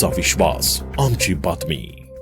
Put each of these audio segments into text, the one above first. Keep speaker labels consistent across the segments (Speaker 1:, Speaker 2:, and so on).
Speaker 1: तुमचा विश्वास, आमची बातमी।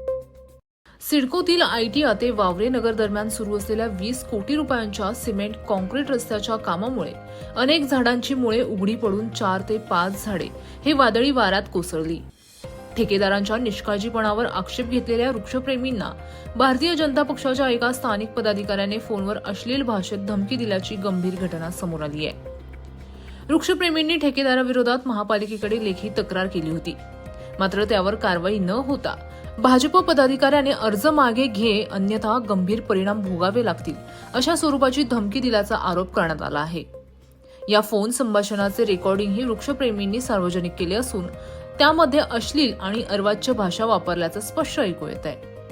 Speaker 2: सिडकोतील आयटी आते वावरे नगर दरम्यान सुरू असलेल्या 20 कोटी रुपयांच्या सिमेंट कॉन्क्रीट रस्त्याच्या कामामुळे अनेक झाडांची मुळे उघडी पडून 4 ते 5 झाडे हे वादळी वाऱ्यात कोसळली। ठेकेदारांच्या निष्काळजीपणावर आक्षेप घेतलेल्या वृक्षप्रेमींना भारतीय जनता पक्षाच्या एका स्थानिक पदाधिकाऱ्याने फोनवर अश्लील भाषेत धमकी दिल्याची गंभीर घटना समोर आली आहे। वृक्षप्रेमींनी ठेकेदाराविरोधात महापालिकेकडे लेखी तक्रार केली होती, मात्र त्यावर कारवाई न होता भाजप पदाधिकाऱ्याने अर्ज मागे घे अन्यथा गंभीर परिणाम भोगावे लागतील अशा स्वरूपाची धमकी दिल्याचा आरोप करण्यात आला आहे। या फोन संभाषणाचे रेकॉर्डिंगही वृक्षप्रेमींनी सार्वजनिक केले असून त्यामध्ये अश्लील आणि अर्वाच्य भाषा वापरल्याचं स्पष्ट ऐकू येत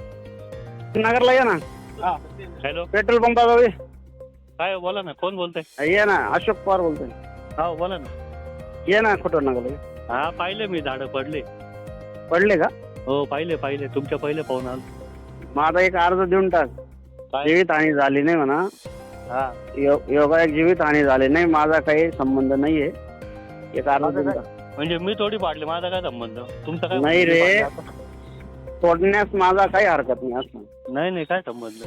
Speaker 2: आहे।
Speaker 3: नगरला या ना।
Speaker 4: हॅलो,
Speaker 3: पेट्रोल पंपावर
Speaker 4: काय बोला ना, कोण बोलतंय?
Speaker 3: ये ना, अशोक पवार बोलतोय।
Speaker 4: हा बोला ना।
Speaker 3: ये ना खोटं नगरला।
Speaker 4: हा पाहिले मी, झाडं पडले
Speaker 3: का?
Speaker 4: हो पाहिले तुमच्या पहिले पाहून आलो।
Speaker 3: माझा एक अर्ज देऊन टाक।
Speaker 4: काय?
Speaker 3: जीवितहानी झाली नाही म्हणा।
Speaker 4: हा
Speaker 3: योगा एक जीवितहानी झाली नाही, माझा काही संबंध नाहीये। एक अर्ज देऊन टाक।
Speaker 4: म्हणजे मी थोडी पाडले, माझा काय संबंध? तुमचा काय
Speaker 3: नाही रे,
Speaker 4: पाडले?
Speaker 3: तोडण्यास माझा काही हरकत नाही असं।
Speaker 4: नाही काय संबंध?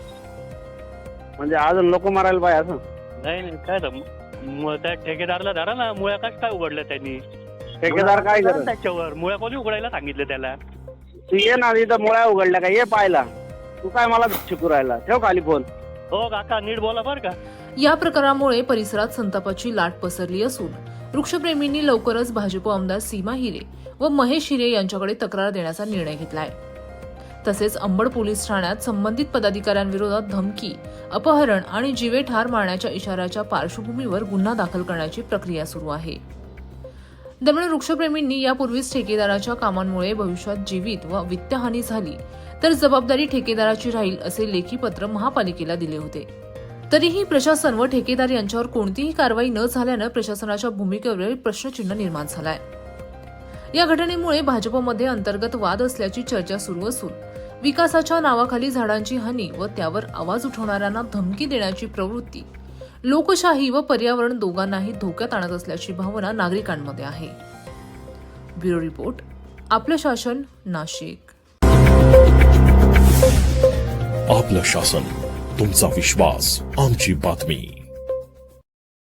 Speaker 3: म्हणजे अजून लोक मारायला पाहिजे असं?
Speaker 4: नाही काय संबंध? त्या ठेकेदारला धरा ना, मुळ्या काय उघडल्या त्यांनी?
Speaker 3: ठेकेदार काय करत?
Speaker 4: त्याच्यावर मुळ्या कोणी उघडायला सांगितलं त्याला?
Speaker 3: तू ये ना, इथं मुळ्या उघडल्या का? ये पाहायला। तू काय मला शिकू राहिला? ठेव खाली फोन।
Speaker 4: हो काका, नीट बोला बर का।
Speaker 2: या प्रकारामुळे परिसरात संतापाची लाट पसरली असून वृक्षप्रेमींनी लवकरच भाजप आमदार सीमा हिरे व महेश हिरे यांच्याकडे तक्रार देण्याचा निर्णय घेतलाय। तसेच अंबड पोलीस ठाण्यात संबंधित पदाधिकाऱ्यांविरोधात धमकी, अपहरण आणि जीवे ठार मारण्याच्या इशाऱ्याच्या पार्श्वभूमीवर गुन्हा दाखल करण्याची प्रक्रिया सुरू आहे। दरम्यान वृक्षप्रेमींनी यापूर्वीच ठेकेदाराच्या कामांमुळे भविष्यात जीवित व वित्तहानी झाली तर जबाबदारी ठेकेदाराची राहील असे लेखी पत्र महापालिकेला दिले होते। तरीही प्रशासन व ठेकेदार यांच्यावर कोणतीही कारवाई न झाल्यानं प्रशासनाच्या भूमिकेवर प्रश्नचिन्ह निर्माण झालाय। या घटनेमुळे भाजपमध्ये अंतर्गत वाद असल्याची चर्चा सुरू असून विकासाच्या नावाखाली झाडांची हानी व त्यावर आवाज उठवणाऱ्यांना धमकी देण्याची प्रवृत्ती लोकशाही व पर्यावरण दोघांनाही धोक्यात आणत असल्याची भावना नागरिकांमध्ये आहे। ब्युरो रिपोर्ट, आपलं शासन, नाशिक।
Speaker 1: आपलं शासन, तुमचा विश्वास, आमची बातमी।